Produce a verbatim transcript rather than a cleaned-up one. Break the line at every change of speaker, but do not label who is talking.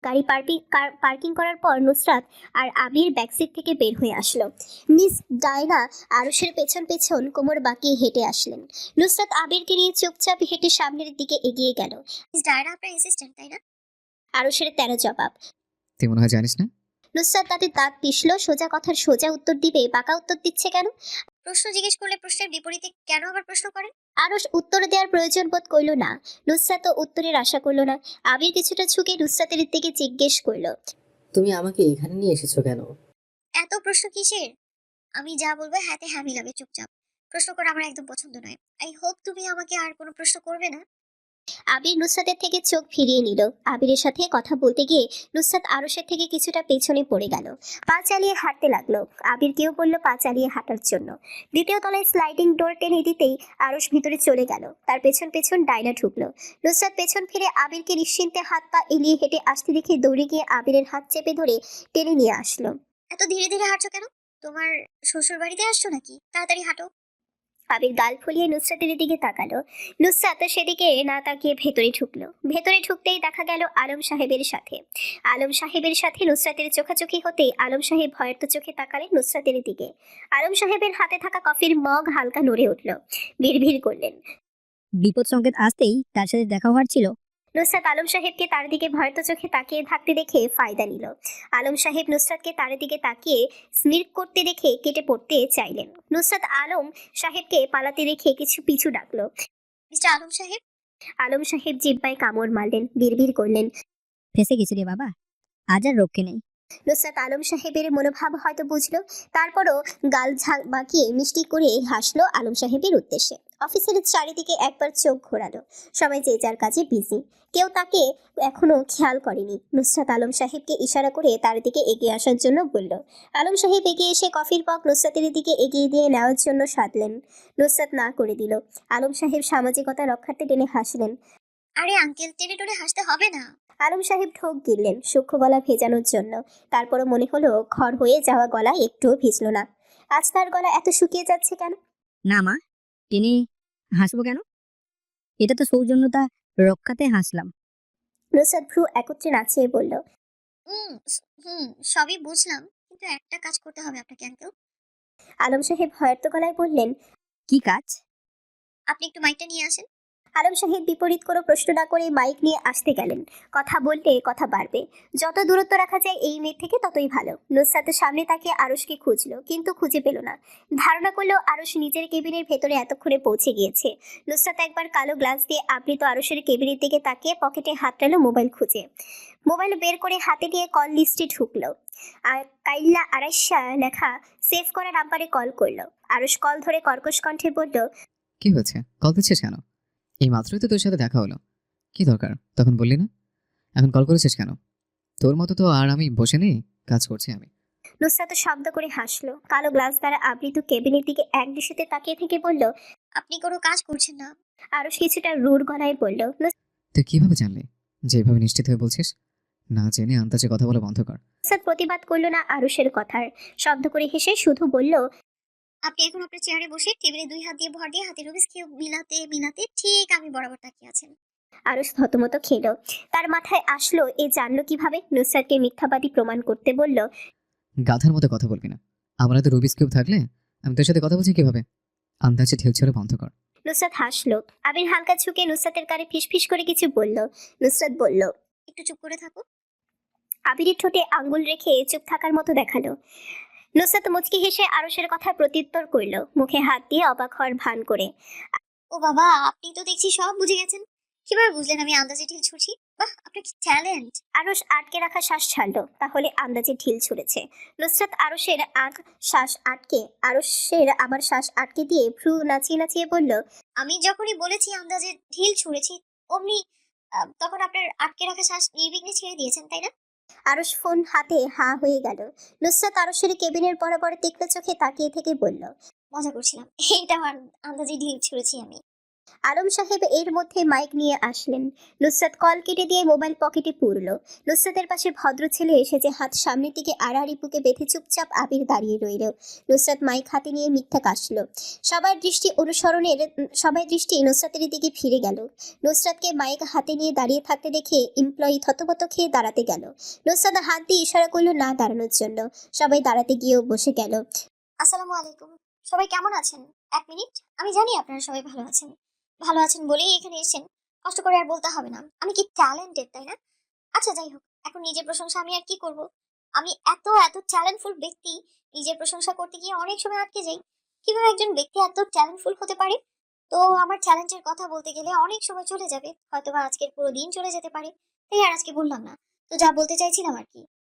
গাড়ি parking parking করার পর নুসরাত আর আবির ব্যাকসিট থেকে বের হয়ে আসলো। মিস ডায়না আরুষের পেছন পেছন কোমর বাঁকিয়ে হেঁটে আসলেন। নুসরাত আবিরকে নিয়ে চুপচাপ হেঁটে সামনের দিকে এগিয়ে গেল। মিস ডায়না আপনার অ্যাসিস্ট্যান্ট তাই না? আরুষের তেরো জবাব।
তুই মনে হয় জানিস না।
নুসরাত তাতে দাঁত পিষল। সোজা কথার সোজা উত্তর দিবে বাঁকা উত্তর দিচ্ছে কেন? প্রশ্ন জিজ্ঞেস করলে প্রশ্নের বিপরীতে কেন আবার প্রশ্ন করেন? আরুষ উত্তর দেওয়ার প্রয়োজন বোধ করল না। নুসরাতও উত্তরের আশা করল না। আবির কিছুটা ঝুঁকে নুসরাতের দিকে জিজ্ঞেস করল,
তুমি আমাকে এখানে নিয়ে এসেছো কেন?
এত প্রশ্ন কিসের? আমি যা বলবো হ্যাঁতে হ্যাঁ মিলাবে চুপচাপ। প্রশ্ন করা আমার একদম পছন্দ নয়। আই হোপ তুমি আমাকে আর কোনো প্রশ্ন করবে না। আবির নুসরাতের থেকে চোখ ফিরিয়ে নিল। আবিরের সাথে কথা বলতে গিয়ে নুসরাত আরুষের থেকে কিছুটা পেছনে পড়ে গেল। পা চালিয়ে হাঁটতে লাগলো। আবিরকেও বলল পা চালিয়ে হাঁটার জন্য। দ্বিতীয় তলায় স্লাইডিং ডোর টেনে দিতেই আরুষ ভিতরে চলে গেল। তার পেছন পেছন ডায়না ঢুকলো। নুসরাত পেছন ফিরে আবিরকে নিশ্চিন্তে হাত পা এলিয়ে হেঁটে আসতে দেখে দৌড়ে গিয়ে আবিরের হাত চেপে ধরে টেনে নিয়ে আসলো। এত ধীরে ধীরে হাঁটছো কেন? তোমার শ্বশুর বাড়িতে আসছো নাকি? তাড়াতাড়ি হাঁটো। আবির গাল ফুলিয়ে নুসরাতের দিকে তাকালো। নুসরাত সেদিকে না তাকিয়ে ভেতরে ঢুকলো। ভেতরে ঢুকতেই দেখা গেল আলম সাহেবের সাথে। আলম সাহেবের সাথে নুসরাতের চোখাচোখি হতেই আলম সাহেব ভয়ার্ত চোখে তাকালেন নুসরাতের দিকে। আলম সাহেবের হাতে থাকা কফির মগ হালকা নড়ে উঠল। ভিড় করলেন।
বিপদ সংকেত আসতেই তার সাথে দেখা হওয়ার ছিল।
নুসরাত আলম সাহেবকে তার দিকে ভয়ত চোখে তাকিয়ে থাকতে দেখে ফায়দা নিল। আলম সাহেব নুসরাতকে তার দিকে তাকিয়ে স্মির্ক করতে দেখে কেটে পড়তে চাইলেন। নুসরাত আলম সাহেবকে পালাতে দেখে কিছু পিছু ডাকলো। মিস্টার আলম সাহেব। আলম সাহেব জিহ্বায় কামড় মারলেন। বিড়বিড় করলেন,
ফেসে গেছি রে বাবা, আজ আর রক্ষে নেই।
নুসরাত আলম সাহেবের মনোভাব হয়তো বুঝলো। তারপরও গাল ঝাঁক বাঁকিয়ে মিষ্টি করে হাসলো আলম সাহেবের উদ্দেশ্যে। অফিসের চারিদিকে একবার চোখ ঘোরালো। সবাই যে যার কাজে বিজি। কেউ তাকে এখনো খেয়াল করেনি। নুসরাত আলম সাহেবকে ইশারা করে তার দিকে এগিয়ে আসার জন্য বলল। আলম সাহেব এগিয়ে এসে কফির পক নুসরাতের দিকে এগিয়ে দিয়ে নেওয়ার জন্য সাধলেন। নুসরাত না করে দিল। আলম সাহেব সামাজিকতা রক্ষার্থে টেনে হাসলেন। আরে আঙ্কেল, টেনে টেনে হাসতে হবে না। আলম সাহেব ঢোক গিললেন সূক্ষ্ম গলা ভেজানোর জন্য। তারপরও মনে হলো খড় হয়ে যাওয়া গলা একটুও ভিজল না। আজ তার গলা এত শুকিয়ে যাচ্ছে কেন?
না মা, টেনে হাসবো কেন? এটা তো সৌজন্যতা রক্ষাতে হাসলাম।
নুসরাত ভ্রু একত্রে নাচিয়ে বলল, হুম হুম সবই বুঝলাম, কিন্তু একটা কাজ করতে হবে আপনাকে আঙ্কেল। আলম সাহেব ভয়ার্ত গলায় বললেন,
কি কাজ?
আপনি একটু মাইকটা নিয়ে আসেন। আলম সাহেব বিপরীত কোনো প্রশ্ন না করে মাইক নিয়ে আসতে গেলেন। কথা বললে কথা বাড়বে। যত দূরত্ব রাখা যায় এই মেয়ের থেকে ততই ভালো। নুসরাতের সামনে তাকে আরুষকে খুঁজলো, কিন্তু খুঁজে পেল না। ধারণা করলো আরুষ নিজের কেবিনের ভেতরে এতক্ষণে পৌঁছে গিয়েছে। নুসরাত একবার কালো গ্লাস দিয়ে আবৃত আরুষের কেবিনের দিকে তাকিয়ে পকেটে হাত টানলো মোবাইল খুঁজে। মোবাইল বের করে হাতে নিয়ে কল লিস্টে ঢুকলো। আর কাইল্লা আড়াইশা লেখা সেভ করা নাম্বারে কল করলো। আরুষ কল ধরে কর্কশ কণ্ঠে বলল,
কি হয়েছে, কল দিচ্ছিস কেন? এই মাত্রই তো তোর সাথে দেখা হলো। কি দরকার তখন বললি না? এখন কল করেছিস কেন? তোর মতো তো আর আমি বসে নেই, কাজ করছি আমি।
নুসরাত শব্দ করে হাসলো। কালো গ্লাস দ্বারা আবৃত কেবিনের দিকে এক দৃষ্টিতে তাকিয়ে থেকে বলল, আপনি কোনো কাজ করছেন না? আরুষ কিছুটা রুড় গলায় বলল,
তুই কিভাবে জানলি যে এভাবে নিশ্চিত হয়ে বলছিস? না জেনে আন্দাজে কথা বলা বন্ধ কর।
নুসরাত প্রতিবাদ করলো না আরুষের কথার। শব্দ করে হেসে শুধু বলল, আপনি এখন আপনার চেয়ারে বসে টেবিলে দুই হাত দিয়ে ভর দিয়ে হাতের রুবিক্স কিউব মিলাতে মিলাতে ঠিক আমি বরাবর তাকিয়ে আছেন। আরুষ থতমত খেলো। তার মাথায় আসলো এ জানলো কিভাবে। নুসরাতকে মিথ্যাবাদী প্রমাণ করতে বলল,
গাধার মতো কথা বলবি না। আমার তো রুবিক্স কিউব থাকলে আমি তোর সাথে কথা বলছি কিভাবে? আন্দাজে ঢেউ ছেড়ে বন্ধ কর।
নুসরাত হাসলো। আবির হালকা ঝুঁকে নুসরাতের কানে ফিসফিস করে কিছু বলল। নুসরাত বলল, একটু চুপ করে থাকো। আবিরের ঠোঁটে আঙ্গুল রেখে চুপ থাকার মতো দেখালো। নুসরাত মুচকি হেসে আরুষের কথা প্রত্যুত্তর করল, মুখে হাত দিয়ে অবাক হওয়ার ভান করে। ও বাবা, আপনি তো দেখছি সব বুঝে গেছেন। কিভাবে বুঝলেন আমি আন্দাজে ঢিল ছুঁড়ছি? বাহ, আপনার কি ট্যালেন্ট। আরুষ আটকে রাখা শ্বাস ছাড়লো। তাহলে আন্দাজে ঢিল ছুঁড়েছে। নুসরাত আরুষের আগ শ্বাস আটকে আরুষের আবার শ্বাস আটকে দিয়ে ভ্রু নাচিয়ে নাচিয়ে বলল, আমি যখনই বলেছি আন্দাজে ঢিল ছুঁড়েছি অমনি আহ, তখন আপনার আটকে রাখা শ্বাস নির্বিঘ্নে ছেড়ে দিয়েছেন তাই না? আরুষ ফোন হাতে হা হয়ে গেল। নুসরাত আরুষের কেবিনের বরাবর তীক্ষ্ণ চোখে তাকিয়ে থেকে বলল, মজা করছিলাম, এইটা আমার আন্দাজে ঢিল ছুঁড়েছি আমি। আলম সাহেব এর মধ্যে মাইক নিয়ে আসলেন। নুসরাত কল কেটে দিয়ে মোবাইল পকেটে পুরল। নুসরাতের পাশে ভদ্র ছেলে এসে যে হাত সামনের দিকে আড়াআড়ি বুকে বেঁধে চুপচাপ আবির দাঁড়িয়ে রইল। নুসরাত মাইক হাতে নিয়ে মিথ্যা কাশল। সবার দৃষ্টি অনুসরণের সবাই দৃষ্টি নুসরাতের দিকে ফিরে গেল। নুসরাতকে মাইক হাতে নিয়ে দাঁড়িয়ে থাকতে দেখে এমপ্লয়ি থতমত খেয়ে দাঁড়াতে গেল। নুসরাত হাত দিয়ে ইশারা করলো না দাঁড়ানোর জন্য। সবাই দাঁড়াতে গিয়েও বসে গেল। আসসালামু আলাইকুম, সবাই কেমন আছেন? এক মিনিট, আমি জানি আপনারা সবাই ভালো আছেন। ভালো আছেন বলেই এখানে এসেছেন, কষ্ট করে আর বলতে হবে না আমি কি ট্যালেন্টেড, তাই না? আচ্ছা যাই হোক, এখন নিজের প্রশংসা আমি আর কি করব? আমি এত এত ট্যালেন্টফুল ব্যক্তি, নিজের প্রশংসা করতে গিয়ে অনেক সময় আটকে যাই। কিভাবে একজন ব্যক্তি এত ট্যালেন্টফুল হতে পারে? তো আমার ট্যালেন্টের কথা বলতে গেলে অনেক সময় চলে যাবে, হয়তোবা আজকের পুরো দিন চলে যেতে পারে, তাই আর আজকে বললাম না। তো যা বলতে চাইছিলাম আর কি,